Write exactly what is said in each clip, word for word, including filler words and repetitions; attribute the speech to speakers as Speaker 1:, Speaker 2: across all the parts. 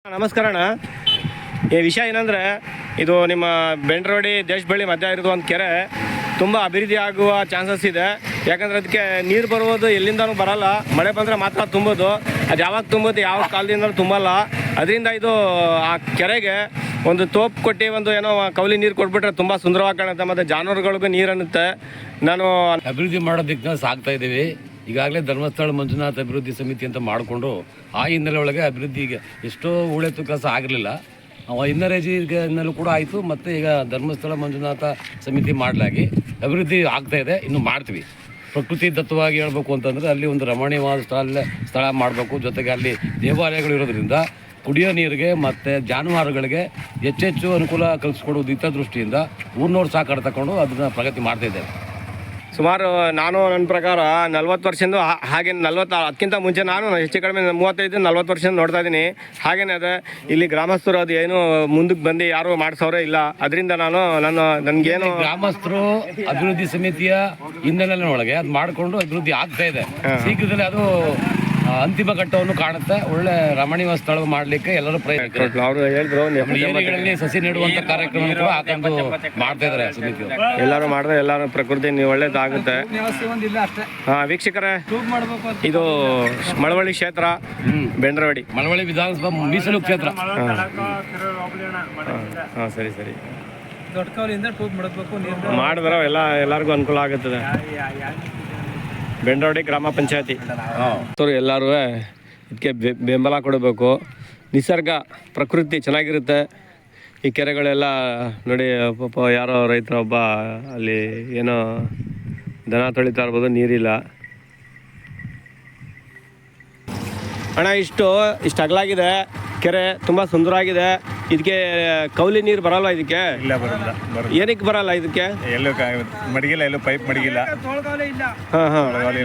Speaker 1: ನಮಸ್ಕಾರ ಅಣ್ಣ. ಈ ವಿಷಯ ಏನಂದರೆ, ಇದು ನಿಮ್ಮ ಬೆಂಡ್ರೋಡಿ ದೇಶಬಳ್ಳಿ ಮಧ್ಯ ಇರೋದು ಒಂದು ಕೆರೆ ತುಂಬ ಅಭಿವೃದ್ಧಿ ಆಗುವ ಚಾನ್ಸಸ್ ಇದೆ. ಯಾಕಂದರೆ ಅದಕ್ಕೆ ನೀರು ಬರುವುದು ಎಲ್ಲಿಂದನೂ ಬರಲ್ಲ, ಮಳೆ ಬಂದರೆ ಮಾತ್ರ ತುಂಬೋದು. ಅದು ಯಾವಾಗ ತುಂಬೋದು, ಯಾವ ಕಾಲದಿಂದಲೂ ತುಂಬಲ್ಲ. ಅದರಿಂದ ಇದು ಆ ಕೆರೆಗೆ ಒಂದು ತೋಪ್ ಕೊಟ್ಟು ಒಂದು ಏನೋ ಕೌಲಿ ನೀರು ಕೊಟ್ಬಿಟ್ರೆ ತುಂಬ ಸುಂದರವಾಗಿ ಕಾಣುತ್ತೆ, ಮತ್ತು ಜಾನುವಾರುಗಳಿಗೂ ನೀರು ಅನ್ನುತ್ತೆ. ನಾನು
Speaker 2: ಅಭಿವೃದ್ಧಿ ಮಾಡೋದಕ್ಕೆ ಸಾಕ್ತಾ ಇದ್ದೀವಿ. ಈಗಾಗಲೇ ಧರ್ಮಸ್ಥಳ ಮಂಜುನಾಥ ಅಭಿವೃದ್ಧಿ ಸಮಿತಿ ಅಂತ ಮಾಡಿಕೊಂಡು ಆ ಹಿನ್ನೆಲೆ ಒಳಗೆ ಅಭಿವೃದ್ಧಿಗೆ ಎಷ್ಟೋ ಉಳೆತು ಕೆಲಸ ಆಗಿರಲಿಲ್ಲ. ಹಿನ್ನರೇಜಿನಲ್ಲೂ ಕೂಡ ಆಯಿತು, ಮತ್ತು ಈಗ ಧರ್ಮಸ್ಥಳ ಮಂಜುನಾಥ ಸಮಿತಿ ಮಾಡಲಾಗಿ ಅಭಿವೃದ್ಧಿ ಆಗ್ತಾ ಇದೆ. ಇನ್ನು ಮಾಡ್ತೀವಿ. ಪ್ರಕೃತಿ ದತ್ತವಾಗಿ ಹೇಳ್ಬೇಕು ಅಂತಂದರೆ ಅಲ್ಲಿ ಒಂದು ರಮಣೀಯವಾದ ಸ್ಥಳ ಸ್ಥಳ ಮಾಡಬೇಕು. ಜೊತೆಗೆ ಅಲ್ಲಿ ದೇವಾಲಯಗಳು ಇರೋದ್ರಿಂದ ಕುಡಿಯೋ ನೀರಿಗೆ ಮತ್ತು ಜಾನುವಾರುಗಳಿಗೆ ಹೆಚ್ಚೆಚ್ಚು ಅನುಕೂಲ ಕಲ್ಪಿಸ್ಕೊಡೋದು ಹಿತದೃಷ್ಟಿಯಿಂದ ಊರಿನವ್ರು ಸಾಕಾಡ್ ತಗೊಂಡು ಅದನ್ನು ಪ್ರಗತಿ ಮಾಡ್ತಾಯಿದ್ದೇವೆ.
Speaker 1: ಸುಮಾರು ನಾನು ನನ್ನ ಪ್ರಕಾರ ನಲ್ವತ್ತು ವರ್ಷದಿಂದ ಹಾಗೆ ನಲ್ವತ್ತು ಅದಕ್ಕಿಂತ ಮುಂಚೆ ನಾನು ಹೆಚ್ಚು ಕಡಿಮೆ ಮೂವತ್ತೈದು ನಲ್ವತ್ತು ವರ್ಷದಿಂದ ನೋಡ್ತಾ ಇದ್ದೀನಿ. ಹಾಗೇನೇ ಅದೇ ಇಲ್ಲಿ ಗ್ರಾಮಸ್ಥರು ಅದು ಏನು ಮುಂದಕ್ಕೆ ಬಂದು ಯಾರು ಮಾಡಿಸೋರೇ ಇಲ್ಲ. ಅದರಿಂದ ನಾನು ನಾನು ನನಗೇನು
Speaker 2: ಗ್ರಾಮಸ್ಥರು ಅಭಿವೃದ್ಧಿ ಸಮಿತಿಯ ಹಿನ್ನೆಲೆ ಒಳಗೆ ಅದು ಮಾಡಿಕೊಂಡು ಅಭಿವೃದ್ಧಿ ಆಗ್ತಾ ಇದೆ. ಶೀಘ್ರದಲ್ಲೇ ಅದು ಅಂತಿಮ ಘಟ್ಟವನ್ನು ಕಾಣುತ್ತೆ. ಒಳ್ಳೆ ರಮಣೀಯ ಸ್ಥಳ ಮಾಡಲಿಕ್ಕೆ ಎಲ್ಲರೂ ಪ್ರಯತ್ನ.
Speaker 1: ಅವರು ಹೇಳಿದ್ರು
Speaker 2: ಏರಿಯಾಗಳಲ್ಲಿ ಸಸಿ ನೆಡುವಂಥ ಕಾರ್ಯಕ್ರಮ ಕೂಡ ಹಾಕೊಂಡು ಮಾಡ್ತಾ ಇದ್ದಾರೆ ಸಮಿತಿ.
Speaker 1: ಎಲ್ಲರೂ ಮಾಡಿದ್ರೆ ಎಲ್ಲರೂ ಪ್ರಕೃತಿ ಒಳ್ಳೇದಾಗುತ್ತೆ. ಹಾಂ ವೀಕ್ಷಕರೇ, ಇದು ಮಳವಳ್ಳಿ ಕ್ಷೇತ್ರ, ಬೆಂಡ್ರವಾಡಿ
Speaker 2: ಮಳವಳ್ಳಿ ವಿಧಾನಸಭಾ ಮೀಸಲು ಕ್ಷೇತ್ರ.
Speaker 1: ಹಾಂ ಸರಿ ಸರಿ
Speaker 3: ಮಾಡಿದ್ರೆ
Speaker 1: ಎಲ್ಲ ಎಲ್ಲರಿಗೂ ಅನುಕೂಲ ಆಗುತ್ತದೆ. ಬೆಂಡ್ರವಾಡಿ ಗ್ರಾಮ ಪಂಚಾಯತಿ ಎಲ್ಲರೂ ಇದಕ್ಕೆ ಬೆಂಬಲ ಕೊಡಬೇಕು. ನಿಸರ್ಗ ಪ್ರಕೃತಿ ಚೆನ್ನಾಗಿರುತ್ತೆ. ಈ ಕೆರೆಗಳೆಲ್ಲ ನೋಡಿ, ಪಾಪ ಯಾರೋ ರೈತರೊಬ್ಬ ಅಲ್ಲಿ ಏನೋ ದನ ತೊಳಿತಾ ಇರ್ಬೋದು, ನೀರಿಲ್ಲ. ಅಣ್ಣ, ಇಷ್ಟು ಇಷ್ಟು ಅಗಲಾಗಿದೆ ಕೆರೆ, ತುಂಬ ಸುಂದರವಾಗಿದೆ. ಇದಕ್ಕೆ ಕೌಲಿ ನೀರು ಬರಲ್ಲ. ಇದಕ್ಕೆ
Speaker 4: ಇಲ್ಲ, ಬರಲ್ಲ.
Speaker 1: ಏನಕ್ಕೆ ಬರಲ್ಲ ಇದಕ್ಕೆ?
Speaker 4: ಎಲ್ಲೂ ಮಡಗಿಲ್ಲ, ಎಲ್ಲೂ ಪೈಪ್ ಮಡಗಿಲ್ಲ.
Speaker 1: ಹಾಂ ಹಾಂ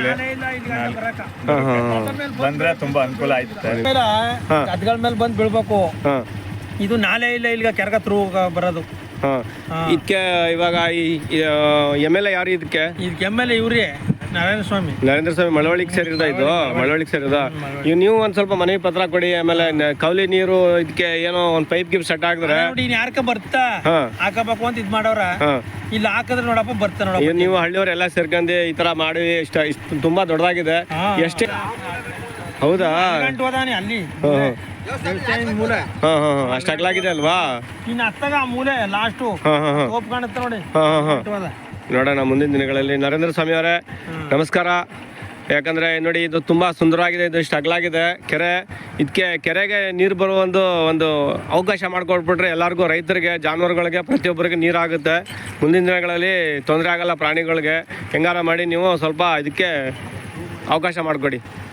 Speaker 4: ಬಂದ್ರೆ ತುಂಬಾ ಅನುಕೂಲ ಆಯ್ತು.
Speaker 3: ಅದ್ಗಳ ಮೇಲೆ ಬಂದು ಬೀಳ್ಬೇಕು.
Speaker 1: ಹಾಂ,
Speaker 3: ಇದು ನಾಲೆ ಇಲ್ಲ, ಇಲ್ಲಿಗ ಕೆರೆಗ ತ್ರೂ ಬರೋದು.
Speaker 1: ಹಾಂ, ಇದಕ್ಕೆ ಇವಾಗ ಈ ಎಮ್ ಎಲ್ ಎ ಯಾರು ಇದಕ್ಕೆ?
Speaker 3: ಇದಕ್ಕೆ ಎಮ್ ಎಲ್ ಎ ಇವ್ರಿ ನಾರಾಯಣ ಸ್ವಾಮಿ.
Speaker 1: ನರೇಂದ್ರ ಸ್ವಾಮಿ ಮಳವಳ್ಳಿಗೆ ಸೇರಿದ ಇದು ಮಳವಳ್ಳಿಗೆ ಸೇರಿದ ಇವ್ ನೀವು ಒಂದ್ ಸ್ವಲ್ಪ ಮನವಿ ಪತ್ರ ಕೊಡಿ. ಆಮೇಲೆ ಕೌಲಿ ನೀರು ಇದಕ್ಕೆ ಏನೋ ಒಂದ್ ಪೈಪ್ ಗಿಪ್ ಸೆಟ್ ಹಾಕಿದ್ರೆ
Speaker 3: ನೋಡಿ, ಯಾರ್ಕ ಬರ್ತಾ ಹಾಕಬೇಕು ಅಂತ ಇದ್ ಮಾಡವ್ರ. ಇಲ್ಲಿ ಹಾಕಿದ್ರೆ ನೋಡಪ್ಪ ಬರ್ತಾ ನೋಡ.
Speaker 1: ನೀವು ಹಳ್ಳಿಯವ್ರ ಎಲ್ಲ ಸೇರ್ಕೊಂಡು ಈ ತರ ಮಾಡಿ ಇಷ್ಟ ಇಷ್ಟು ತುಂಬಾ ದೊಡ್ಡದಾಗಿದೆ. ಎಷ್ಟೇ ಹೌದಾ?
Speaker 3: ಅಲ್ಲಿ
Speaker 1: ಮೂಲೆ ಹಾ ಹಾ ಅಷ್ಟ ಅಗಲಾಗಿದೆ ಅಲ್ವಾ?
Speaker 3: ಇನ್ನು ಹತ್ತಾಗ ಮೂಲೆ ಲಾಸ್ಟು ತೋಪ್ ಕಾಣುತ್ತೆ ನೋಡಿ.
Speaker 1: ನೋಡೋಣ ಮುಂದಿನ ದಿನಗಳಲ್ಲಿ. ನರೇಂದ್ರ ಸ್ವಾಮಿ ಅವರೇ ನಮಸ್ಕಾರ. ಯಾಕಂದರೆ ನೋಡಿ, ಇದು ತುಂಬ ಸುಂದರವಾಗಿದೆ. ಇದು ಇಷ್ಟು ಅಗಲಾಗಿದೆ ಕೆರೆ. ಇದಕ್ಕೆ ಕೆರೆಗೆ ನೀರು ಬರುವ ಒಂದು ಒಂದು ಅವಕಾಶ ಮಾಡಿಕೊಟ್ಬಿಟ್ರೆ ಎಲ್ಲರಿಗೂ, ರೈತರಿಗೆ, ಜಾನುವಾರುಗಳಿಗೆ, ಪ್ರತಿಯೊಬ್ಬರಿಗೆ ನೀರಾಗುತ್ತೆ. ಮುಂದಿನ ದಿನಗಳಲ್ಲಿ ತೊಂದರೆ ಆಗಲ್ಲ ಪ್ರಾಣಿಗಳಿಗೆ. ಹೆಂಗಾರ ಮಾಡಿ ನೀವು ಸ್ವಲ್ಪ ಇದಕ್ಕೆ ಅವಕಾಶ ಮಾಡಿಕೊಡಿ.